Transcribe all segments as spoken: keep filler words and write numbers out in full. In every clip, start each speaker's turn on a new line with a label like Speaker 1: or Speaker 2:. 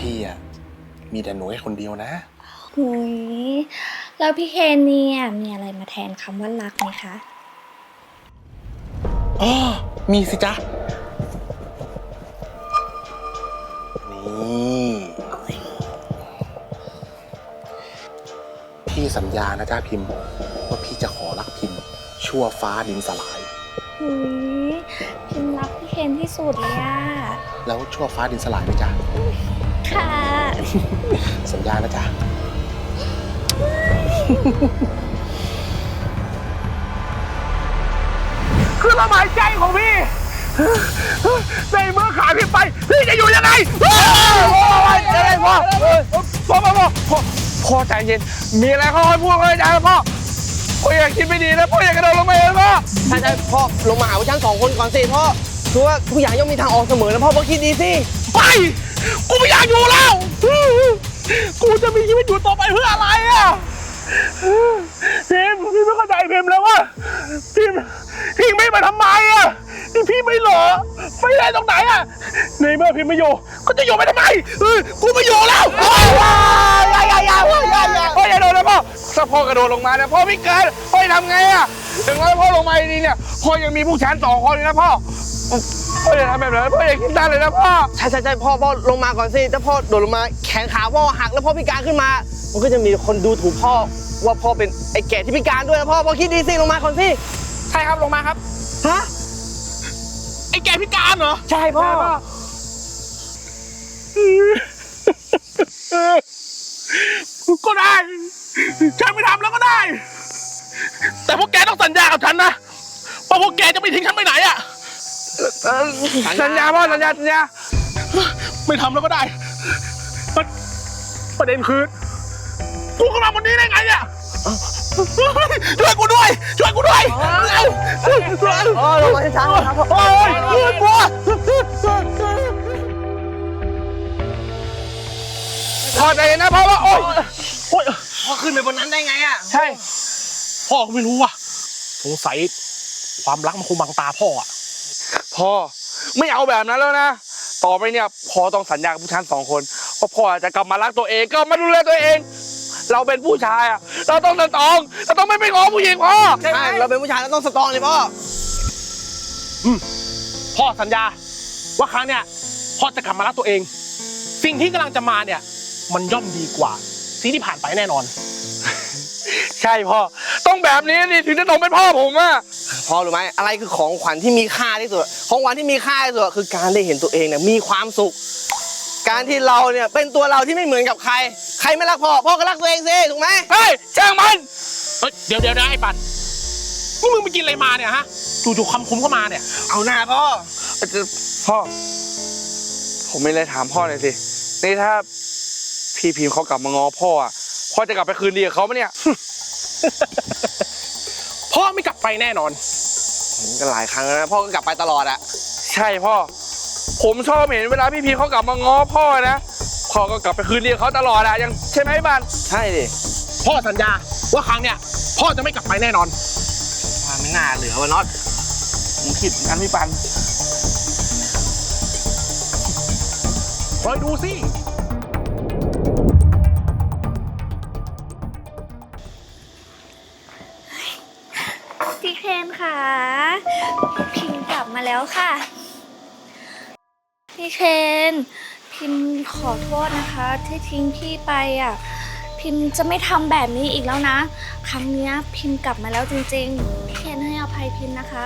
Speaker 1: พี่อ่ะมีแต่หนูให้คนเดียวนะ
Speaker 2: หุยแล้วพี่เคนเนี่ยมีอะไรมาแทนคำว่ารักไหมคะ
Speaker 1: อ๋อมีสิจ๊ะนี่พี่สัญญานะจ๊ะพิมพ์ว่าพี่จะขอรักพิมพ์ชั่วฟ้าดินสลาย
Speaker 2: หุยพิมรักพี่เคนที่สุดเลยอะ
Speaker 1: แล้วชั่วฟ้าดินสลายไหมจ๊ะ
Speaker 2: ค่ะ
Speaker 1: สัญญานะจ๊ะ
Speaker 3: คือลมหายใจของพี่ในเมื่อขาพี่ไปพี่จะอยู่ยังไงโอ้ยยังไงพ่อพ่อพ่อพ่อพ่อพ่อใจเย็นมีอะไรค่อยๆพูดค่อยๆจาพ่อพ่ออย่าคิดไม่ดีนะพ่ออย่ากระโดดลงไปเลยพ่อ
Speaker 4: ใช่ใช่พ่อลงมาหาพวกฉันสองคนก่อนสิพ่อคือว่าทุกอย่างย่อมมีทางออกเสมอนะพ่อพ่อคิดดีสิ
Speaker 3: ไปกูไม่อยากอยู่แล้วกูจะมีชีวิตอยู่ต่อไปเพื่ออะไรอ่ะพิมพี่ไม่เข้าใจพิมแล้วว่าพิมพิมไม่มาทำไมอ่ะนี่พี่ไม่หล่อไม่ได้ตรงไหนอ่ะในเมื่อพิมไม่อยู่ก็จะอยู่ไปทำไมเออกูไม่อยู่แล้วอย่าอย่าอย่าพ่ออย่าอย่าพ่ออย่าโดนนะพ่อถ้าพ่อกระโดดลงมาเนี่ยพ่อไม่เกินพ่อจะทำไงอ่ะถึงแม้พ่อลงมาดีเนี่ยพ่อยังมีผู้ชายสองคนเลยนะพ่อพ่ออย่าทำแบบนั้นพ่ออย่าคิดด้านเลยนะพ่อ
Speaker 4: ใช่ใช่ใช่พ่อพ่อลงมาก่อนสิถ้าพ่อโดดลงมาแขนขาพ่อหักแล้วพ่อพิการขึ้นมามันก็จะมีคนดูถูกพ่อว่าพ่อเป็นไอ้แก่ที่พิการด้วยนะพ่อพ่อคิดดีสิลงมาก่อนสิ
Speaker 3: ใช่ครับลงมาครับ
Speaker 4: ฮะ
Speaker 3: ไอ้แก่พิการเหรอ
Speaker 4: ใช่พ่อ
Speaker 3: ก็ได้ฉันไม่ทำแล้วก็ได้แต่พวกแกต้องสัญญากับฉันนะว่าพวกแกจะไม่ทิ้งฉันไปไหนอ่ะสัญญาพ่อสัญญาสัญญาไม่ทำแล้วก็ได้ประเด็นคือกูเข้ามาวันนี้ได้ไงเนี่ยช่วยกูด้วยช่วยกูด้วยเร็ว
Speaker 4: โอ้ลงมาช้าๆครับ
Speaker 3: โอ้ยกลัวพอใจนะพ่อว่าโอ้ย
Speaker 4: พ่อขึ้นไปบนนั้นได้ไงอ่ะ
Speaker 3: ใช่พ่อก็ไม่รู้ว่ะสงสัยความรักมันคงบังตาพ่ออ่ะพ่อไม่เอาแบบนั้นแล้วนะต่อไปเนี่ยพ่อต้องสัญญากับผู้ชายสองคนว่าพ่อจะกลับมารักตัวเองก็มาดูแลตัวเองเราเป็นผู้ชายอ่ะเราต้องสตรองเราต้องไม่ไปง้อผู้หญิงพ่อ
Speaker 4: ใช่เราเป็นผู้ชายเราต้องสตรองเลยพ่อ
Speaker 3: อืมพ่อสัญญาว่าครั้งเนี้ยพ่อจะกลับมารักตัวเองสิ่งที่กำลังจะมาเนี่ยมันย่อมดีกว่าสิ่งที่ผ่านไปแน่นอนใช่พ่อต้องแบบนี้นี่ถึงจะต้องเป็นพ่อผมอ่ะ
Speaker 4: พ่อรู้ไหมอะไรคือของขวัญที่มีค่าที่สุดของขวัญที่มีค่าที่สุดคือการได้เห็นตัวเองเนี่ยมีความสุขการที่เราเนี่ยเป็นตัวเราที่ไม่เหมือนกับใครใครไม่รักพ่อพ่อก็รักตัวเองสิถูกไหม
Speaker 3: เฮ้ยจ้างมันเฮ้ยเดี๋ยวเดี๋ยวนะไอ้ปันนี่มึงไปกินอะไรมาเนี่ยฮะจู่ๆคำคุ้มเข้ามาเนี่ย
Speaker 4: เอาหน้าพ่อ
Speaker 3: พ่อผมไม่เลยถามพ่อหน่อยสินี่ถ้าพี่พิมเขากลับมาง้อพ่ออ่ะพ่อจะกลับไปคืนดีกับเขาไหมเนี่ยพ่อไม่กลับไปแน่นอน
Speaker 4: มันก็หลายครั้งแล้วนะพ่อก็กลับไปตลอดอะ
Speaker 3: ใช่พ่อผมชอบเห็นเวลาพี่พีเขากลับมาง้อพ่อนะพ่อก็กลับไปคืนดีกับเขาตลอดอะยังใช่ไหมบ้าน
Speaker 4: ใช่ดิ
Speaker 3: พ่อสัญญาว่าครั้งเนี้ยพ่อจะไม่กลับไปแน่นอน
Speaker 4: ว่าไม่น่าเหลือวะน็อตผมคิดเหมือนกันพี่ปัน
Speaker 3: คอยดูสิ
Speaker 2: พี่เคนค่ะพิมกลับมาแล้วค่ะพี่เคนพิมขอโทษนะคะที่ทิ้งพี่ไปอ่ะพิมจะไม่ทำแบบนี้อีกแล้วนะครั้งนี้พิมกลับมาแล้วจริงๆพี่เคนให้อภัยพิมนะคะ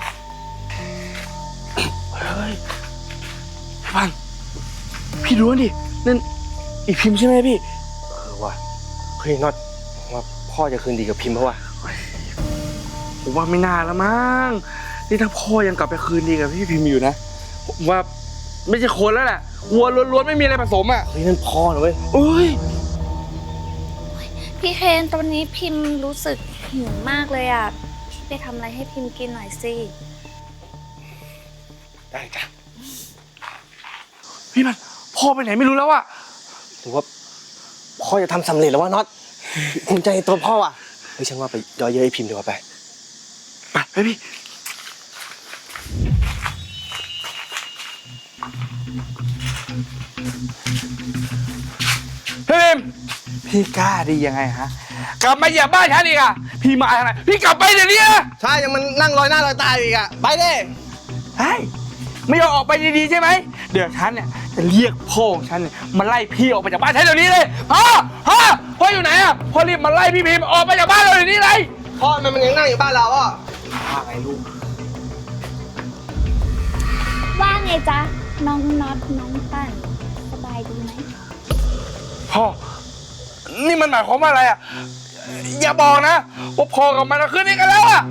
Speaker 3: เฮ้ยพี่ปันพี่รู้ดินั่นอีพิมใช่ไหมพี่
Speaker 4: เออว่ะเฮ้ยน็อตว่าพ่อจะคืนดีกับพิมเพราะว่า
Speaker 3: ผมว่าไม่น่าละมั้งนี่ถ้าพ่อยังกลับไปคืนดีกับพี่พิมอยู่นะผมว่าไม่ใช่คนแล้วแหละวัวล้วนๆไม่มีอะไรผสมอ่ะ
Speaker 4: เฮ้ยนั่นพ่อเหรอเว้ย
Speaker 3: เอ้ย
Speaker 2: พี่เคนตอนนี้พิมรู้สึกหิวมากเลยอ่ะพี่ไปทำอะไรให้พิมกินหน่อยสิ
Speaker 3: ได้จ้ะพี่มันพ่อไปไหนไม่รู้แล้วอ่ะ
Speaker 4: หรือว่าพ่อจะทำสำเร็จแล้ววะน็อตภูมิใจในตัวพ่ออ่ะเฮ้ยฉันว่าไปย่อเย้ยพิมดีกว่าไป
Speaker 3: ไปไปพี่พี่พิมพี่กล้าดียังไงฮะกลับมาเหยียบบ้านฉันอีกอ่ะพี่มาทางไหนพี่กลับไปเดี๋ยวนี้นะ
Speaker 4: ใช่ยังมันนั่งลอยหน้าลอยตาอยู่อีกอะไปดิ
Speaker 3: เฮ้ยไม่ยอมออกไปดีๆใช่ไหมเดี๋ยวฉันเนี่ยจะเรียกพ่อของฉันเนี่ยมาไล่พี่ออกไปจากบ้านฉันเดี๋ยวนี้เลยพ่อพ่อพ่ออยู่ไหนอ่ะพ่อรีบมาไล่พี่พิมออกไปจากบ้านเราเดี๋ยวนี้เลย
Speaker 4: พ่อมันมันยังนั่งอยู่บ้านเราอ่ะ
Speaker 3: ว่าไงลูก
Speaker 2: ว่าไงจ๊ะ น้องน็อตน้องปั่นสบายดีไหม
Speaker 3: พ่อนี่มันหมายความว่าอะไรอ่ะอย่าบอกนะว่าพ่อกับมันคืนนี้กันแล้วอ่ะ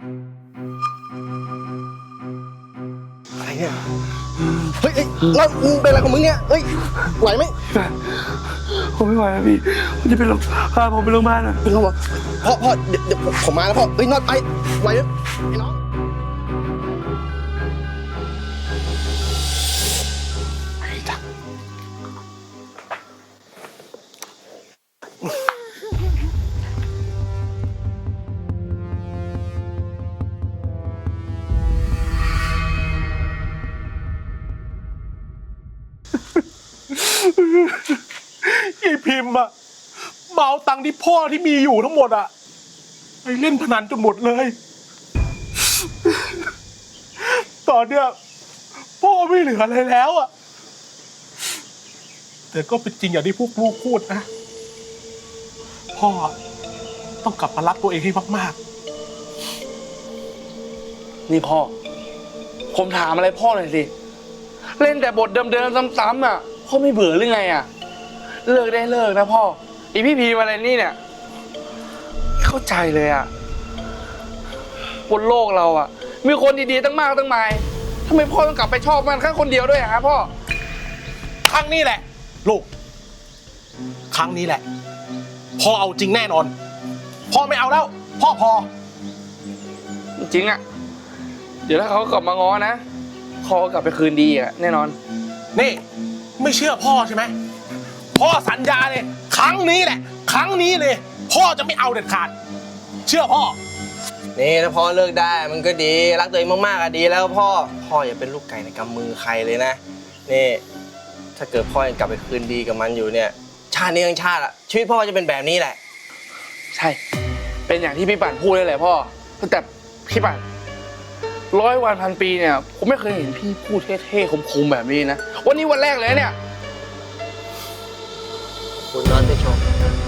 Speaker 4: อะไรเนี่ยเฮ้ยเฮ้ยแล้วมึงเป็นอะไรของมึงเนี่ยเฮ้ยไหวไหม
Speaker 3: ผมไม่ไหวแล้วพี่ผมจะไปโรงพาผมไปโรงพยาบาลอ่ะ
Speaker 4: เป็นเขาบอกพ่อพ่อเดี๋ยวเดี๋ยวผมผมมาแล้วพ่อเฮ้ยน็อตไปไหวไหมไอ้น้อง
Speaker 3: ไอ้พิมพ์อะเมาตังค์ที่พ่อที่มีอยู่ทั้งหมดอะไปเล่นพนันจนหมดเลย ตอนเนี้ยพ่อไม่เหลืออะไรแล้วอะแต่ก็เป็นจริงอย่างที่พวกลูกพูดนะพ่อต้องกลับมารักตัวเองให้มากๆนี่พ่อผมถามอะไรพ่อหน่อยสิเล่นแต่บทเดิมๆซ้ำๆอ่ะพ่อไม่เบื่อหรือไงอ่ะเลิกได้เลิกนะพ่อไอพี่พีมาอะไรนี่เนี่ยเข้าใจเลยอ่ะบนโลกเราอ่ะมีคนดีๆตั้งมากตั้งมายทำไมพ่อต้องกลับไปชอบมันแค่คนเดียวด้วยอะฮะพ่อครั้งนี้แหละลูกครั้งนี้แหละพ่อเอาจริงแน่นอนพ่อไม่เอาแล้วพ่อพอจริงอ่ะเดี๋ยวถ้าเขากลับมาง้อนะพ่อกลับไปคืนดีอ่ะแน่นอนนี่ไม่เชื่อพ่อใช่ไหมพ่อสัญญาเลยครั้งนี้แหละครั้งนี้เลยพ่อจะไม่เอาเด็ดขาดเชื่อพ่อ
Speaker 4: นี่ถ้าพ่อเลิกได้มันก็ดีรักตัวเองมากๆอะดีแล้วพ่อพ่ออย่าเป็นลูกไก่ในกำมือใครเลยนะนี่ถ้าเกิดพ่อยังกลับไปคืนดีกับมันอยู่เนี่ยชาตินี้ทั้งชาติอะชีวิตพ่อจะเป็นแบบนี้แหละ
Speaker 3: ใช่เป็นอย่างที่พี่ปั่นพูดเลยแหละพ่อแต่พี่ปั่นร้อยวันพันปีเนี่ยผมไม่เคยเห็นพี่พูดเท่ๆคมๆแบบนี้นะวันนี้วันแรกเลยเนี่ย
Speaker 4: คุณนอนไปชม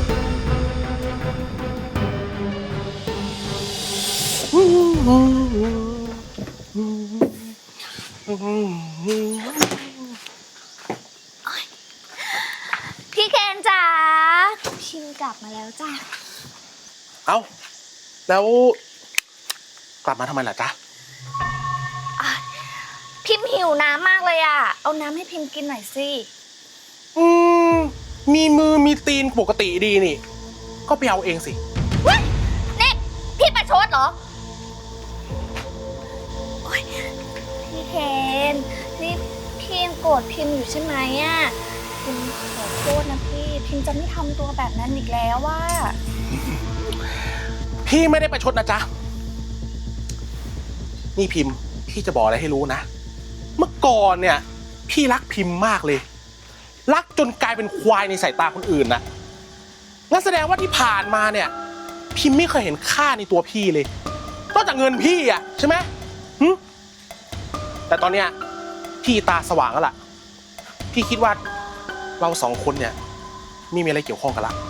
Speaker 2: พี่เคนจ๋าพิมกลับมาแล้วจ้ะ
Speaker 3: เอ้าแล้วกลับมาทำไมล่ะจ๊ะ
Speaker 2: พิมหิวน้ำมากเลยอ่ะเอาน้ำให้พิมกินหน่อยสิ
Speaker 3: อืมมีมือมีตีนปกติดีนี่ก็ไปเอาเองสิ
Speaker 2: เว้ยนี่พี่ประชดเหรอโอ๊ยพี่เคนนี่พี่ยังโกรธพิมอยู่ใช่ไหมอ่ะพิมขอโทษนะพี่พิมจะไม่ทำตัวแบบนั้นอีกแล้วว่า
Speaker 3: พี่ไม่ได้ประชดนะจ๊ะนี่พิมพ์พี่จะบอกอะไรให้รู้นะเมื่อก่อนเนี่ยพี่รักพิมพ์มากเลยรักจนกลายเป็นควายในสายตาคนอื่นนะงั้นแสดงว่าที่ผ่านมาเนี่ยพิมพ์ไม่เคยเห็นค่าในตัวพี่เลยนอกจากเงินพี่อ่ะใช่ไหมหึแต่ตอนเนี้ยพี่ตาสว่างแล้วล่ะพี่คิดว่าเราสองคนเนี่ยไม่มีอะไรเกี่ยวข้องกันละ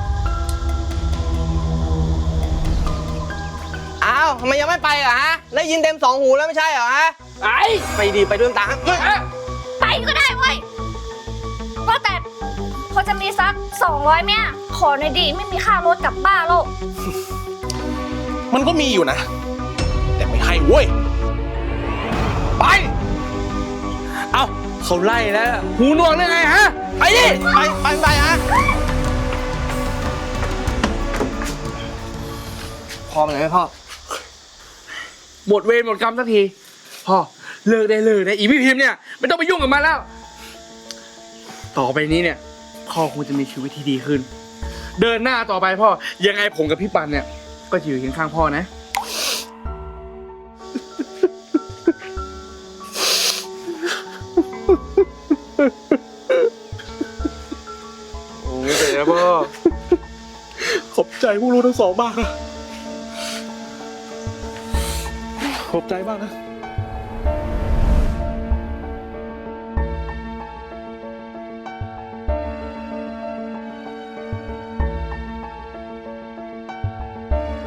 Speaker 4: อ้าวทำไมยังไม่ไปเหรอฮะได้ยินเต็มสองหูแล้วไม่ใช่เหรอฮะ
Speaker 3: ไป
Speaker 4: ไปดีไปด้วยตา
Speaker 2: ไปก็ได้เว้ยว่าแต่พอจะมีสักสองร้อยไหมขอหน่อยดีไม่มีค่ารถกลับบ้านหรอก
Speaker 3: มันก็มีอยู่นะแต่ไม่ให้เว้ยไปเอาเขาไล่แล้วหูหนวกได้ไงฮะไปดิ
Speaker 4: ไปไปไปฮะพอไหมไหมพ่อ
Speaker 3: หมดเวรหมดกรรมสักทีพ่อเลิกได้เลยนะอีพี่พิมพ์เนี่ยไม่ต้องไปยุ่งกับมันแล้วต่อไปนี้เนี่ยพ่อคงจะมีชีวิตที่ดีขึ้นเดินหน้าต่อไปพ่อยังไงผมกับพี่ปันเนี่ยก็จะอยู่เคียงข้างพ่อนะพวกรู้ทั้งสองมากนะขอบใจมากนะ